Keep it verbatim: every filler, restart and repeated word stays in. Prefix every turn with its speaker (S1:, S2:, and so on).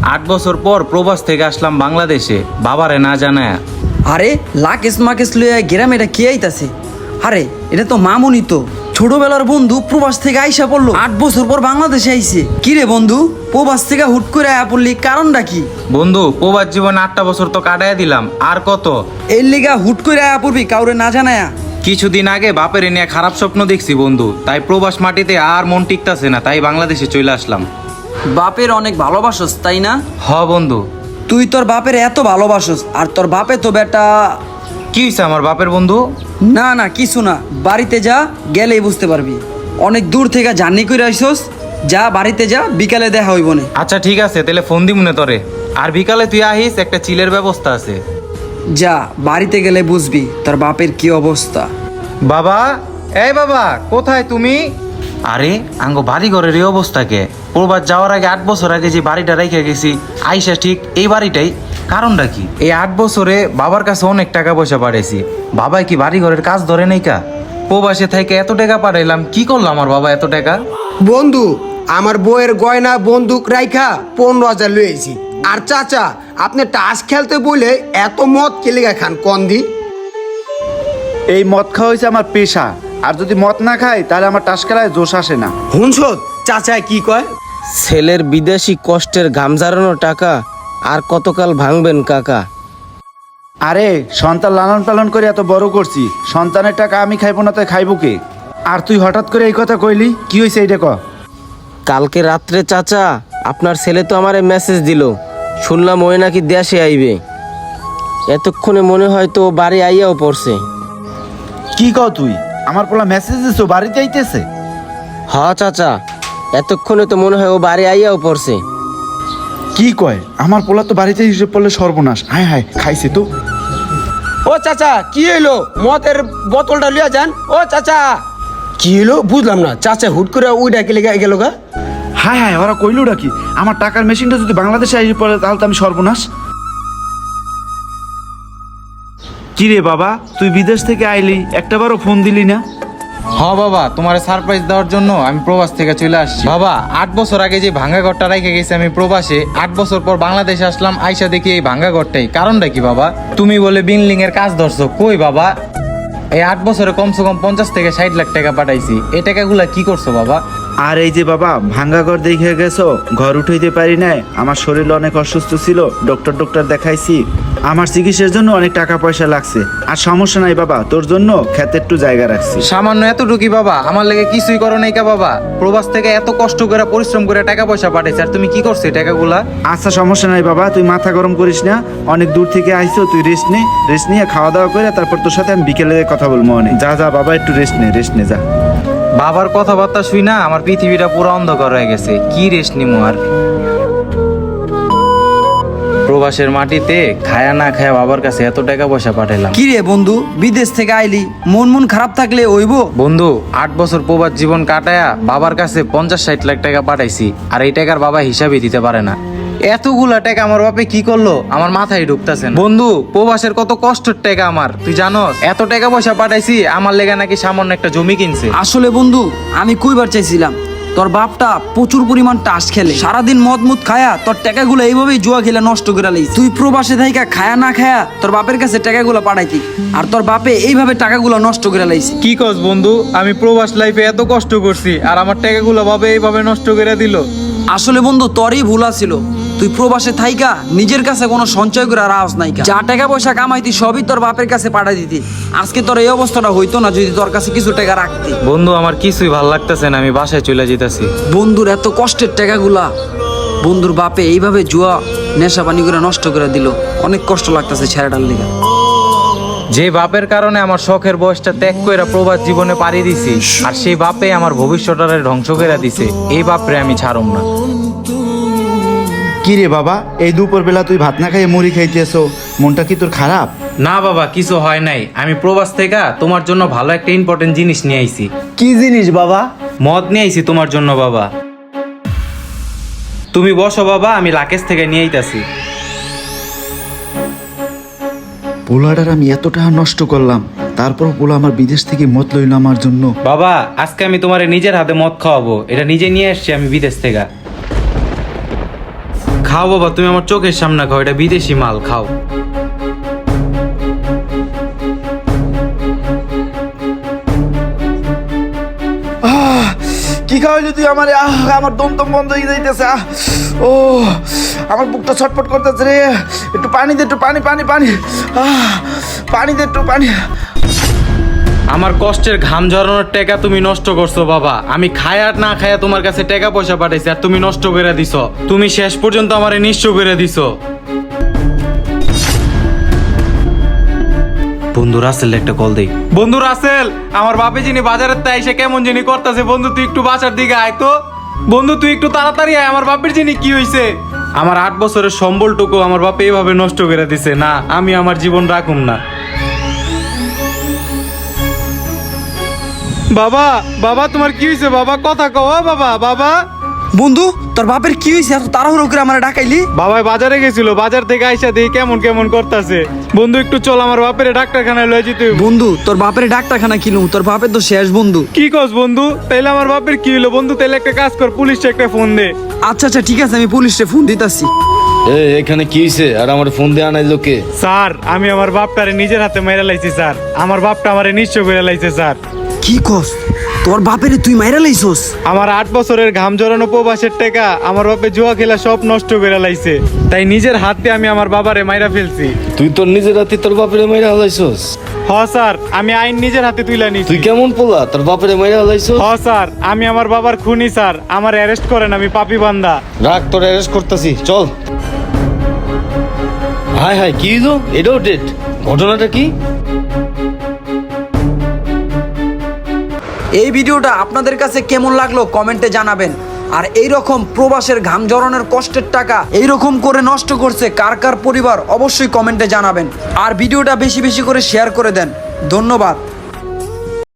S1: আট বছর পর প্রবাস থেকে আসলাম বাংলাদেশে, বাবারে না জানায়া।
S2: আরে লাকেশ মাকেশ লইয়া গ্রামে এটা কে আইতাছে? আরে এটা তো মামুনি তো, ছোটবেলার বন্ধু প্রবাস থেকে আইসা পড়লো, আট বছর পর বাংলাদেশে আইছে। কি রে বন্ধু, প্রবাস থেকে হুট করে আয়া পড়লি, কারণটা কি?
S1: বন্ধু প্রবাস জীবনে আটটা বছর তো কাটাইয়া দিলাম, আর কত?
S2: এর লিগা হুট করে আয়া পড়বি কাউরে না জানায়া?
S1: কিছুদিন আগে বাপের নিয়ে খারাপ স্বপ্ন দেখছি বন্ধু, তাই প্রবাস মাটিতে আর মন টিকতাছে না, তাই বাংলাদেশে চলে আসলাম।
S2: বাপের অনেক ভালোবাসস তাই না?
S1: হ বন্ধু।
S2: তুই তোর বাপের এত ভালোবাসস, আর তোর বাপে তো বেটা।
S1: কি হয়েছে আমার বাপের বন্ধু?
S2: না না কিছু না, বাড়িতে যা, গেলেই বুঝতে পারবি। অনেক দূর থেকে জার্নি করে আইসস, যা বাড়িতে যা, বিকালে দেখা হইব না।
S1: আচ্ছা ঠিক আছে, তাহলে ফোন দি মনে তরে। আর বিকালে তুই আহিস, একটা চিলের ব্যবস্থা আছে।
S2: যা, বাড়িতে গেলে বুঝবি তোর বাপের কি অবস্থা।
S1: বাবা, এই বাবা, কোথায় তুমি? আরে আঙ্গো বাড়ি ঘরের এই অবস্থা কে? প্রবাস যাওয়ার আগে আট বছর আগে যে বাড়িটা রেখে গেছি, আইসা ঠিক এই বাড়িটাই। কারণটা কি? এই আট বছরে বাবার কাছে অনেক টাকা পয়সা পাঠাইছি, বাবাই কি বাড়ি ঘরের কাজ ধরে নেই কা? প্রবাসে থেকে এত টাকা পাঠাইলাম, কি করলাম আমার বাবা এত টাকা?
S3: বন্ধু, আমার বউয়ের গয়না বন্দুক রাইখা পনেরো হাজার লইছি। আর চাচা, আপনি টাস খেলতে বলে এত মদ কেলেগা খান কন্দি?
S4: এই মদ খাওয়া হয়েছে আমার পেশা, আর যদি মদ না খাই তাহলে আমার টাস খেলায় জোশ আসে না।
S3: হুনছত চাচা কি কয়?
S5: ছেলের বিদেশি কষ্টের ঘাম ঝরানো টাকা আর কতকাল ভাঙবেন কাকা?
S4: আরে সন্তান লালন পালন করে এত বড় করছি, সন্তানের টাকা আমি খাইবো না তাই খাইবো কে? আর তুই হঠাৎ করে এই কথা কইলি, কি হয়েছে এইটা ক?
S5: কালকে রাত্রে চাচা আপনার ছেলে তো আমারে মেসেজ দিল, শুনলাম ওই নাকি দেশে আইবে। এতক্ষণে মনে হয় তো বাড়ি আইয়াও পড়ছে।
S4: কি কও তুই? আমার পোলা মেসেজ দিছো বাড়িতে আইতেছে?
S5: হ চাচা, এতক্ষণে তো মনে হয় ও বাড়ি আইয়াও পড়ছে।
S4: কি কয়? আমার পোলা তো বাড়িতে হিসেবে পড়লে সর্বনাশ। হায় হায়, খাইছে তো।
S3: ও চাচা, কি হইলো? মদের বোতলটা লিয়া যান। ও চাচা, কি হইলো বুঝলাম না। চাচা হুট করে উইডা কেলেগা গেল গা?
S4: হায় হায়, ওরা কইলোটা কি? আমার টাকার মেশিনটা যদি বাংলাদেশে আইসে পড়ে তাহলে তো আমি সর্বনাশ। কি রে বাবা, তুই বিদেশ থেকে আইলি, একটাবারও ফোন দিলি না?
S1: হ বাবা, তোমার সারপ্রাইজ দেওয়ার জন্য আমি প্রবাস থেকে চলে আসছি। বাবা, আট বছর আগে যে ভাঙ্গা ঘরটা রেখে গেছি আমি প্রবাসে, আট বছর পর বাংলাদেশে আসলাম, আইসা দেখি এই ভাঙ্গা ঘরটাই। কারণটা কি বাবা? তুমি বলে বিল্ডিং এর কাজ ধরছো, কই বাবা? এই আট বছরে কমসে কম পঞ্চাশ থেকে ষাট লাখ টাকা পাঠাইছি, এই টাকাগুলা কি করছো বাবা?
S4: আর এই যে বাবা, ভাঙ্গা ঘর দেখে গেছো, ঘর উঠাইতে পারি নাই, আমার শরীর অনেক অসুস্থ ছিল, ডক্টর ডক্টর দেখাইছি, আমার চিকিৎসার জন্য অনেক টাকা পয়সা লাগছে। আর সমস্যা নাই বাবা, তোর জন্য খেতে একটু জায়গা রাখছি।
S1: সামান্য এতটুকুই বাবা, আমার লেগে কিছুই করো নাই কা বাবা? প্রবাস থেকে এত কষ্ট করে পরিশ্রম করে টাকা পয়সা পাঠাইছে, আর তুমি কি করছো এই টাকাগুলা?
S4: আচ্ছা সমস্যা নাই বাবা, তুই মাথা গরম করিস না, অনেক দূর থেকে আইছো, তুই রেস্ট নে, রেস্ট নিয়ে খাওয়া দাওয়া করে তারপর তোর সাথে আমি বিকেলে কথা বলবো অনেক। যা যা বাবা, একটু রেস্ট নে, রেস্ট নে যা।
S1: বাবার কথাবার্তা শুই না আমার পৃথিবীটা পুরো অন্ধকার হয়ে গেছে, কি রেস্ট নিমু আর? প্রবাসের মাটিতে খায়া না খায়া বাবার কাছে এত টাকা পয়সা পাঠাইলাম।
S2: কি রে বন্ধু, বিদেশ থেকে আইলি, মন মন খারাপ থাকলে হইব?
S1: বন্ধু, আট বছর প্রবাস জীবন কাটায়া বাবার কাছে পঞ্চাশ ষাট লাখ টাকা পাঠাইছি, আর এই টাকার বাবা হিসাবই দিতে পারে না। এতগুলা টাকা আমার বাপে কি করলো আমার মাথায় ঢুকতেছে না। বন্ধু, প্রবাসের কত কষ্টের টাকা আমার, তুই জানোস? এত টাকা পয়সা পাঠাইছি, আমার লেগে নাকি সামান্য একটা জমি কিনছে।
S2: আসলে বন্ধু, আমি কইবার চাইছিলাম, তোর বাপটা প্রচুর পরিমাণ টাস খেলে, সারাদিন মদ মুদ খায়া তোর টাকাগুলো এইভাবেই জুয়া খেলে নষ্ট করে লাইস। তুই প্রবাসে থাইকা খায়া না খায়া তোর বাপের কাছে টাকাগুলো পাঠাইতি, আর তোর বাপে এইভাবে টাকাগুলো নষ্ট করে লাইছে।
S1: কি কস বন্ধু, আমি প্রবাস লাইফে এত কষ্ট করছি, আর আমার টাকাগুলো বাবা এইভাবে নষ্ট করে দিল।
S2: আসলে বন্ধু, তোরই ভুল ছিল। তুই প্রবাসে থাইকা নিজের কাছে কোনো সঞ্চয় করে রাস নাই, যা টাকা পয়সা কামাইতি সবই তোর বাপের কাছে পাঠাই দিতি। আজকে তোর এই অবস্থাটা হইতো না যদি তোর কাছে কিছু টাকা রাখতি।
S1: বন্ধু, আমার কিছুই ভাল লাগতেছে না, আমি বাসায় চলে যেতেছি।
S2: বন্ধুর এত কষ্টের টাকাগুলা বন্ধুর বাপে এইভাবে জুয়া নেশা পানি করে নষ্ট করে দিল, অনেক কষ্ট লাগতেছে ছেড়াটার লিগা।
S1: যে বাপের কারণে আমার শখের বয়সটা ত্যাগ করে প্রবাস জীবনে পাড়ি দিছি, আর সেই বাপে আমার ভবিষ্যৎটারে ধ্বংস করে দিছে, এই বাপরে আমি ছাড়ম না।
S4: কি রে বাবা, এই দুপুর বেলা তুই ভাত না খাইয়ে মুড়ি খাইতেছো, মনটা কি তোর খারাপ?
S1: না বাবা, কিছু হয় নাই, আমি প্রবাস থেকে তোমার জন্য ভালো একটা ইম্পর্টেন্ট জিনিস নিয়ে আইছি।
S3: কি জিনিস বাবা?
S1: মদ নিয়ে আইছি তোমার জন্য বাবা। তুমি বসো বাবা, আমি লাকেশ থেকে নিয়ে আইতাছি।
S4: পোলাটার আমি এত টাকা নষ্ট করলাম, তারপর পোলা আমার বিদেশ থেকে মদ লইল আমার জন্য।
S1: বাবা, আজকে আমি তোমার নিজের হাতে মদ খাওয়াবো, এটা নিজে নিয়ে আসছি আমি বিদেশ থেকে। খাও বাবা, তুমি আমার চোখের সামনে খাও, এটা বিদেশি মাল, খাও।
S4: আহ, কি খাওয়াইলি তুই আমার? আহ, আমার দম দম বন্ধ হয়ে যাইতেছে। আহ, ও আমার বুকটা ছটফট করতেছে রে। একটু পানি দে, একটু পানি পানি পানি আহ, পানি দে, একটু পানি।
S1: আমার কষ্টের ঘাম ঝরানোর টাকা তুমি নষ্ট করছো বাবা। আমি খায় আর না খায়া তোমার কাছে টাকা পয়সা পাঠাইছি, আর তুমি নষ্ট করে দিছো। তুমি শেষ পর্যন্ত আমারে নিঃস্ব করে দিছো। বন্ধু রাসেল একটা কল দেই। বন্ধু রাসেল, আমার বাপে যিনি বাজারের তাই এসে কেমন যিনি করতেছে, বন্ধু তুই একটু বাসার দিকে আয় তো। বন্ধু তুই একটু তাড়াতাড়ি আয়, আমার বাপের যিনি কি হইছে। আমার আট বছরের সম্বলটুকু আমার বাপে এইভাবে নষ্ট করে দিছে। না, আমি আমার জীবন রাখুম না। বাবা, বাবা তোমার কি হয়েছে বাবা? কথা কও বাবা। বাবা,
S2: বন্ধু তোর বাপের কি হয়েছে এত তাড়াহুড়ো করে আমার ডাকাইলি?
S1: বাবা বাজারে গেছিল, বাজার থেকে আইসা দেখি কেমন কেমন করতেছে। বন্ধু একটু চল, আমার বাপের ডাক্তারখানায় লয়ে যেতে হইব।
S2: বন্ধু তোর বাপের ডাক্তারখানা কিনু, তোর বাপের তো শেষ বন্ধু।
S1: কি কস বন্ধু? তাইলে আমার বাপের কি হলো বন্ধু? তাইলে একটা কাজ কর, পুলিশে একটা ফোন দে।
S2: আচ্ছা আচ্ছা ঠিক আছে, আমি পুলিশে ফোন দিতাছি।
S6: এ এখানে কি হইছে? আর আমার ফোন দিয়ে আনাই লোকে?
S1: স্যার, আমি আমার বাপটারে নিজের হাতে মাইরা লাইছি স্যার। আমার বাপটা আমারে নিঃস্ব করে লাইছে স্যার।
S2: কি কস? তোর বাপেরে তুই মাইরা লাইছস?
S1: আমার আট বছরের ঘাম জড়ানো প্রবাসের টাকা আমার বাপে জুয়া খেলা সব নষ্ট করে লাইছে। তাই নিজের হাতে আমি আমার বাবারে মাইরা ফেলছি।
S6: তুই তোর নিজের হাতে তোর বাপের মাইরা হালাইছস?
S1: হ স্যার, আমি আইন নিজের হাতে তুইলা নিছি।
S6: তুই কেমন পোলা, তোর বাপের মাইরা হালাইছস?
S1: হ স্যার, আমি আমার বাবার খুনি স্যার। আমার অ্যারেস্ট করেন, আমি পাপী বান্দা।
S6: রাখ, তোর অ্যারেস্ট করতেছি, চল। হাই হাই, কি হইলো? এটাও ডেট? ঘটনাটা কি?
S2: এই ভিডিওটা আপনাদের কাছে কেমন লাগলো কমেন্টে জানাবেন। আর এই রকম প্রবাসের ঘাম জড়ানোর কষ্টের টাকা এই রকম করে নষ্ট করছে কার কার পরিবার, অবশ্যই কমেন্টে জানাবেন। আর ভিডিওটা বেশি বেশি করে শেয়ার করে দেন। ধন্যবাদ।